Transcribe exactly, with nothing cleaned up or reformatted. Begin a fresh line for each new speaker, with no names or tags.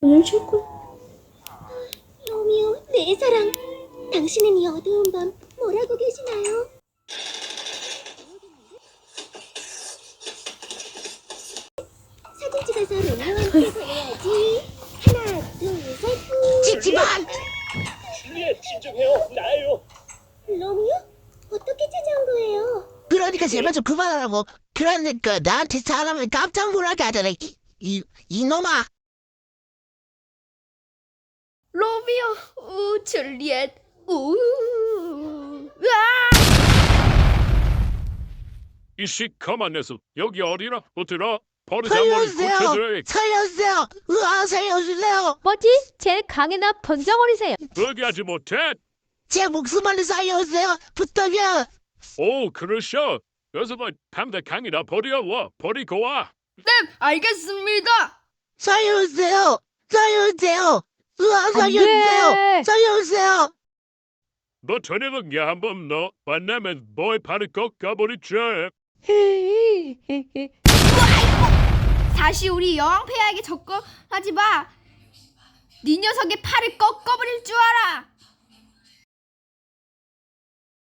오늘 출근.
로미오, 내 사랑. 당신은 이 어두운 밤 뭐라고 계시나요? 사진 찍어서 로미오한테 보내야지. 하나, 둘, 셋.
찝찝한!
줄리엣 진정해요. 나예요.
로미오? 어떻게 찾아온 거예요?
그러니까 제발 좀 그만하라고. 그러니까 나한테 사람을 깜짝 놀라게 하잖아. 이, 이, 이놈아.
로미오, 우, 줄리엣, 우, 으아!
이 시커먼 녀석 여기 어디나? 어디나? 버릇 한번
살려주세요.
고쳐드려.
살려주세요. 으아, 살려주세요.
뭐지? 제 강이나 번쩍거리세요.
포기하지 못해.
제 목숨만을 살려주세요. 부탁이야.
오, 그러셔. 어서 뭐 밤새 강이나 버려와. 버리고 와.
네, 알겠습니다.
살려주세요. 살려주세요. 으아, 살려주세요.
돼.
살려주세요.
너 저녁은 야 한번 너 만나면 뭐에 발을 꺾 가버리죠.
다시 우리 여왕 폐하에게 접근하지 마. 네 녀석의 팔을 꺾어버릴 줄 알아.